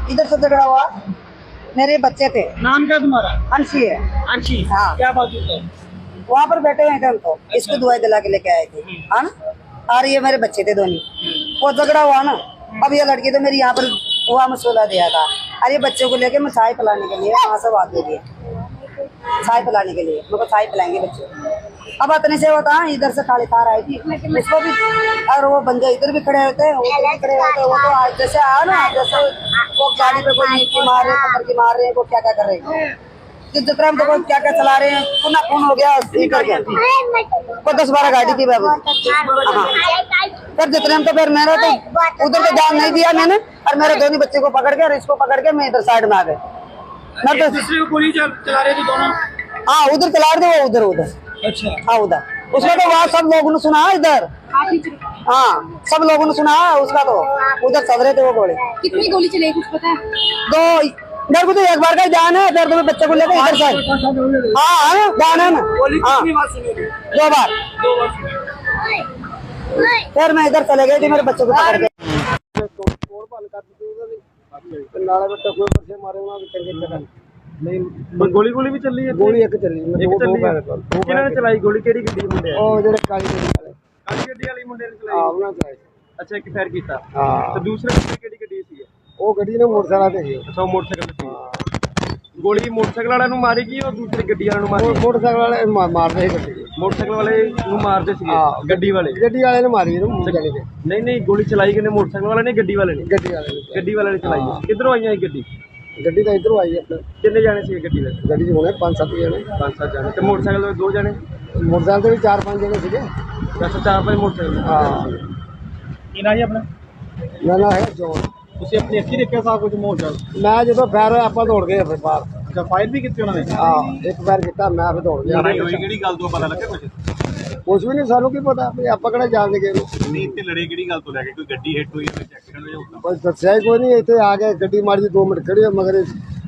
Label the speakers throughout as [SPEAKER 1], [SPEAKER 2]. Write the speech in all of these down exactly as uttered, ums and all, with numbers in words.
[SPEAKER 1] इधर से झगड़ा हुआ, मेरे बच्चे थे।
[SPEAKER 2] नाम क्या तुम्हारा?
[SPEAKER 1] अंशी है।
[SPEAKER 2] अंशी।
[SPEAKER 1] हाँ।
[SPEAKER 2] क्या बात है?
[SPEAKER 1] वहाँ पर बैठे हुए थे उनको, इसको दवाई दिला के लेके आए थे, हाँ ना। और ये मेरे बच्चे थे दोनों, वो झगड़ा हुआ ना। अब ये लड़की तो मेरी यहाँ पर हुआ मसला दिया था, और ये बच्चों को लेके मैं चाय पिलाने के लिए वहाँ से बात दे दिए, चाय पिलाने के लिए मेरे को चाय पिलाएंगे बच्चे। अब इतने से होता है, इधर से काली कार आई थी उसको भी, और वो बंदे इधर भी खड़े होते हैं, वो भी खड़े होते हैं। वो तो आज जैसे आया ना, जैसे वो गाड़ी पे कोई नीचे मार रहे हैं, पकड़ के मार रहे हैं, वो क्या क्या कर रहे हैं, जितना हम तो क्या क्या चला रहे हैं, पुनः खून हो गया करके। को दस बारह गाड़ी थी बाबू। हाँ फिर जितने हम तो फिर मेरा तो उधर तो ध्यान नहीं दिया मैंने, और मेरे दोनों बच्चे को पकड़ के और इसको पकड़ के मैं इधर साइड में आ गए। मैं तो
[SPEAKER 2] दूसरे को गोली चला रहे थे दोनों।
[SPEAKER 1] हाँ उधर चला रहे थे, वो उधर उधर।
[SPEAKER 2] अच्छा।
[SPEAKER 1] हाँ उधर उसका तो वहाँ सब लोगों ने सुना इधर, हाँ सब लोगों ने सुना उसका, तो उधर चल रहे थे वो गोली।
[SPEAKER 3] कितनी गोली चली कुछ पता है?
[SPEAKER 1] दो, मेरे को तो एक बार का ही ध्यान है, फिर तो बच्चे को लेकर इधर साइड। हाँ हाँ ध्यान है ना। हाँ दो बार,
[SPEAKER 2] दो बार।
[SPEAKER 1] फिर मैं इधर चले गए थे, मेरे बच्चे को पकड़ के।
[SPEAKER 2] नहीं गोली गोली भी चली है?
[SPEAKER 4] गोली एक चली,
[SPEAKER 2] एक चली है। किन्होंने चलाई गोली? केड़ी गड्डी मुंडे?
[SPEAKER 4] ਉਹ ਜਿਹੜੇ ਕਾਲੀ ਗੱਡੀ ਵਾਲੇ
[SPEAKER 2] ਕਾਲੀ ਗੱਡੀ ਵਾਲੀ ਮੁੰਡੇ ਨੇ
[SPEAKER 4] ਆ
[SPEAKER 2] ਚਲਾਈ?
[SPEAKER 4] ਉਹਨਾਂ ਚਲਾਈ।
[SPEAKER 2] ਅੱਛਾ ਇੱਕ ਫਾਇਰ ਕੀਤਾ।
[SPEAKER 4] ਹਾਂ
[SPEAKER 2] ਤੇ ਦੂਸਰੇ ਮੁੰਡੇ ਕਿਹੜੀ ਗੱਡੀ ਸੀ?
[SPEAKER 4] ਉਹ ਗੱਡੀ ਨੇ ਮੋਟਰਸਾਈਕਲ ਤੇ ਸੀ।
[SPEAKER 2] ਅੱਛਾ ਉਹ ਮੋਟਰਸਾਈਕਲ ਤੇ ਸੀ। ਗੋਲੀ ਮੋਟਰਸਾਈਕਲ ਵਾਲਿਆਂ ਨੂੰ ਮਾਰੀ ਗਈ, ਉਹ ਦੂਸਰੀ ਗੱਡੀ ਵਾਲਿਆਂ ਨੂੰ ਮਾਰੀ?
[SPEAKER 4] ਉਹ ਮੋਟਰਸਾਈਕਲ ਵਾਲੇ ਮਾ- ਮਾਰਦੇ ਸੀ ਗੱਡੀ।
[SPEAKER 2] ਮੋਟਰਸਾਈਕਲ ਵਾਲੇ ਨੂੰ ਮਾਰਦੇ ਸੀਗੇ, ਗੱਡੀ ਵਾਲੇ?
[SPEAKER 4] ਗੱਡੀ ਵਾਲੇ ਨੇ ਮਾਰੀ ਇਹਨੂੰ ਮੂੰਹ ਜਾਣੀ ਤੇ।
[SPEAKER 2] ਨਹੀਂ ਨਹੀਂ ਗੋਲੀ ਚਲਾਈ ਕਿਨੇ? ਮੋਟਰਸਾਈਕਲ ਵਾਲੇ ਨੇ ਗੱਡੀ ਵਾਲੇ ਨੇ?
[SPEAKER 4] ਗੱਡੀ ਵਾਲੇ ਨੇ।
[SPEAKER 2] ਗੱਡੀ ਵਾਲੇ ਨੇ ਚਲਾਈ ਹੈ। ਕਿੱਧਰੋਂ ਆਈਆਂ ਇਹ ਗੱਡੀ?
[SPEAKER 4] ਗੱਡੀ ਤਾਂ ਇਧਰੋਂ ਆਈ ਆਪਣੇ।
[SPEAKER 2] ਕਿੰਨੇ ਜਾਣੇ ਸੀ ਗੱਡੀ ਵਿੱਚ?
[SPEAKER 4] ਗੱਡੀ 'ਚ ਹੋਣੇ ਪੰਜ ਸੱਤ ਜਣੇ।
[SPEAKER 2] ਪੰਜ ਸੱਤ ਜਾਣੇ। ਤੇ ਮੋਟਰਸਾਈਕਲ ਤੇ ਦੋ ਜਾਣੇ?
[SPEAKER 4] ਮੋਟਰਸਾਈਕਲ ਤੇ ਵੀ ਚਾਰ ਪੰਜ ਜਣੇ ਸੀਗੇ।
[SPEAKER 2] ਅੱਛਾ ਚਾਰ ਪੰਜ ਮੋਟਰਸਾਈਕਲ।
[SPEAKER 4] ਹਾਂ
[SPEAKER 2] ਕੀ ਨਾਂ ਜੀ ਆਪਣਾ?
[SPEAKER 4] ਨਾ ਨਾ ਹੈ ਜੋਨ।
[SPEAKER 2] ਤੁਸੀਂ ਆਪਣੀ ਅੱਖੀਂ ਦੇਖਿਆ ਸਾਰਾ ਕੁਝ ਮੋਟਰਸਾਈਕਲ?
[SPEAKER 4] ਮੈਂ ਜਦੋਂ ਫਾਇਰ ਹੋਇਆ ਆਪਾਂ ਦੌੜ ਗਏ ਫਿਰ ਬਾਹਰ।
[SPEAKER 2] ਅੱਛਾ ਫਾਇਰ ਵੀ ਕੀਤੀ ਉਹਨਾਂ ਨੇ?
[SPEAKER 4] ਹਾਂ ਇੱਕ ਫਾਇਰ ਕੀਤਾ, ਮੈਂ ਫਿਰ ਦੌੜ ਗਿਆ।
[SPEAKER 2] ਲੜਾਈ ਹੋਈ ਕਿਹੜੀ ਗੱਲ ਤੋਂ ਪਤਾ ਲੱਗਿਆ ਕੁਝ?
[SPEAKER 4] ਕੁਛ ਵੀ ਨਹੀਂ, ਸਾਨੂੰ ਕੀ ਪਤਾ ਵੀ ਆਪਾਂ ਕਿਹੜਾ ਜਾਣਦੇ ਗਏ।
[SPEAKER 2] ਨਹੀਂ ਇੱਥੇ ਲੜੇ ਕਿਹੜੀ ਗੱਲ ਤੋਂ ਲੈ ਕੇ? ਕੋਈ ਗੱਡੀ ਹਿੱਟ ਹੋਈ ਜਾਂ ਐਕਸੀਡੈਂਟ ਹੋਇਆ ਹੁੰਦਾ?
[SPEAKER 4] ਬਸ ਦੱਸਿਆ ਹੀ ਕੋਈ ਨਹੀਂ, ਇੱਥੇ ਆ ਕੇ ਗੱਡੀ ਮਾਰੀ ਜੀ, ਦੋ ਮਿੰਟ ਖੜੀ ਹੋ ਮਗਰ।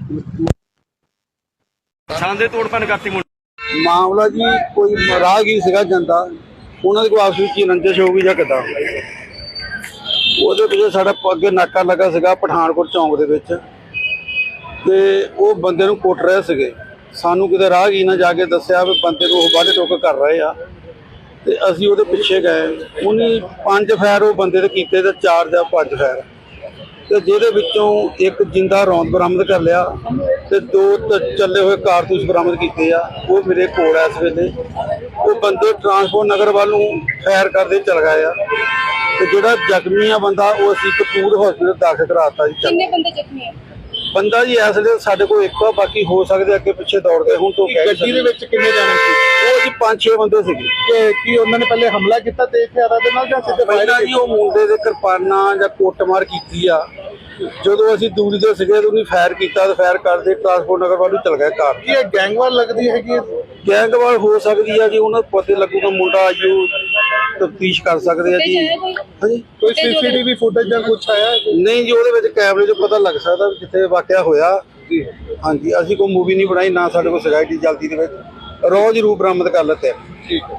[SPEAKER 2] ਛਾਂਦੇ ਤੋੜ ਭੰਨ ਕਰਤੀ ਮੁੰਡੇ?
[SPEAKER 5] ਮਾਮਲਾ ਜੀ ਕੋਈ ਰਾਹਗੀਰ ਸੀਗਾ ਜਾਂਦਾ, ਉਹਨਾਂ ਦੇ ਕੋਈ ਆਪਸ ਵਿੱਚ ਰੰਜਿਸ਼ ਹੋ ਗਈ ਜਾਂ ਕਿੱਦਾਂ, ਉਹਦੇ ਪਿੱਛੇ ਸਾਡਾ ਅੱਗੇ ਨਾਕਾ ਲੱਗਾ ਸੀਗਾ ਪਠਾਨਕੋਟ ਚੌਂਕ ਦੇ ਵਿੱਚ, ਤੇ ਉਹ ਬੰਦੇ ਨੂੰ ਕੁੱਟ ਰਹੇ ਸੀਗੇ। ਸਾਨੂੰ ਕਿਤੇ ਰਾਹਗੀਰ ਨੇ ਜਾ ਕੇ ਦੱਸਿਆ ਵੀ ਬੰਦੇ ਨੂੰ ਉਹ ਵੱਢ ਟੁੱਕ ਕਰ ਰਹੇ ਆ, ਤੇ ਅਸੀਂ ਉਹਦੇ ਪਿੱਛੇ ਗਏ। ਉਹਨੇ ਪੰਜ ਫਾਇਰ ਉਹ ਬੰਦੇ ਦੇ ਕੀਤੇ ਤੇ ਚਾਰ ਜਾਂ ਪੰਜ ਫਾਇਰ, ਤੇ ਜਿਹਦੇ ਵਿੱਚੋਂ ਇੱਕ ਜਿੰਦਾ ਰੌਂਦ ਬਰਾਮਦ ਕਰ ਲਿਆ ਤੇ ਦੋ ਚੱਲੇ ਹੋਏ ਕਾਰਤੂਸ ਬਰਾਮਦ ਕੀਤੇ ਆ। ਉਹ ਮੇਰੇ ਕੋਲ ਆ ਇਸ ਵੇਲੇ। ਉਹ ਬੰਦੇ ਟਰਾਂਸਪੋਰਟ ਨਗਰ ਵੱਲ ਨੂੰ ਫਾਇਰ ਕਰਦੇ ਚਲ ਗਏ ਆ, ਤੇ ਜਿਹੜਾ ਜ਼ਖਮੀ ਆ ਬੰਦਾ ਉਹ ਅਸੀਂ ਕਪੂਰ ਹਸਪੀਟਲ ਦਾਖਲ ਕਰਾਤਾ ਜੀ।
[SPEAKER 3] ਕਿੰਨੇ ਬੰਦੇ ਜ਼ਖਮੀ ਹੈ?
[SPEAKER 5] ਬੰਦਾ ਜੀ ਇਸ ਵੇਲੇ ਸਾਡੇ ਕੋਲ ਇੱਕ ਆ, ਬਾਕੀ ਹੋ ਸਕਦੇ ਅੱਗੇ ਪਿੱਛੇ ਦੌੜ ਗਏ ਹੁਣ ਤੋਂ।
[SPEAKER 2] ਗੱਡੀ ਦੇ ਵਿੱਚ ਕਿੰਨੇ ਜਾਣੇ ਸੀ?
[SPEAKER 5] ਉਹ ਜੀ ਪੰਜ ਛੇ ਬੰਦੇ ਸੀਗੇ।
[SPEAKER 2] ਕਿ ਕੀ ਉਹਨਾਂ ਨੇ ਪਹਿਲੇ ਹਮਲਾ ਕੀਤਾ ਤੇ ਹਥਿਆਰਾਂ ਦੇ ਨਾਲ ਜਾਂ ਸਿੱਧੇ
[SPEAKER 5] ਪਹਿਲਾਂ ਜੀ ਉਹ ਮੁੰਡੇ ਦੇ ਕਿਰਪਾਨਾਂ ਜਾਂ ਕੁੱਟਮਾਰ ਕੀਤੀ ਆ। ਜਦੋਂ ਅਸੀਂ ਦੂਰੀ ਦੇ ਸੀਗੇ ਤੇ ਉਹਨੇ ਫਾਇਰ ਕੀਤਾ, ਤੇ ਫਾਇਰ ਕਰਦੇ ਟਰਾਂਸਪੋਰਟ ਨਗਰ ਵੱਲ ਨੂੰ ਚਲ ਗਿਆ ਕਾਰ।
[SPEAKER 2] ਕੀ ਇਹ ਗੈਂਗਵਾਰ ਲੱਗਦੀ ਹੈਗੀ?
[SPEAKER 5] ਗੈਂਗਵਾਰ ਹੋ ਸਕਦੀ ਆ ਜੀ, ਉਹਨਾਂ ਨੂੰ ਪਤਾ ਲੱਗੂਗਾ। ਮੁੰਡਾ ਆਜੂ ਤਫਤੀਸ਼ ਕਰ ਸਕਦੇ ਆ ਜੀ। ਹਾਂਜੀ
[SPEAKER 2] ਕੋਈ ਸੀਸੀਟੀਵੀ ਫੁਟੇਜ ਜਾਂ ਕੁਝ ਆਇਆ?
[SPEAKER 5] ਨਹੀਂ ਜੀ, ਉਹਦੇ ਵਿੱਚ ਕੈਮਰੇ 'ਚ ਪਤਾ ਲੱਗ ਸਕਦਾ ਵੀ ਜਿੱਥੇ ਵਾਕਿਆ ਹੋਇਆ। ਹਾਂਜੀ ਅਸੀਂ ਕੋਈ ਮੂਵੀ ਨਹੀਂ ਬਣਾਈ, ਨਾ ਸਾਡੇ ਕੋਲ ਸਿਗਾਈ ਦੀ ਜਲਦੀ ਦੇ ਵਿੱਚ ਰੋਜ਼ ਰੂਪ ਬਰਾਮਦ ਕਰ ਲੈਤੇ।
[SPEAKER 2] ਠੀਕ ਹੈ।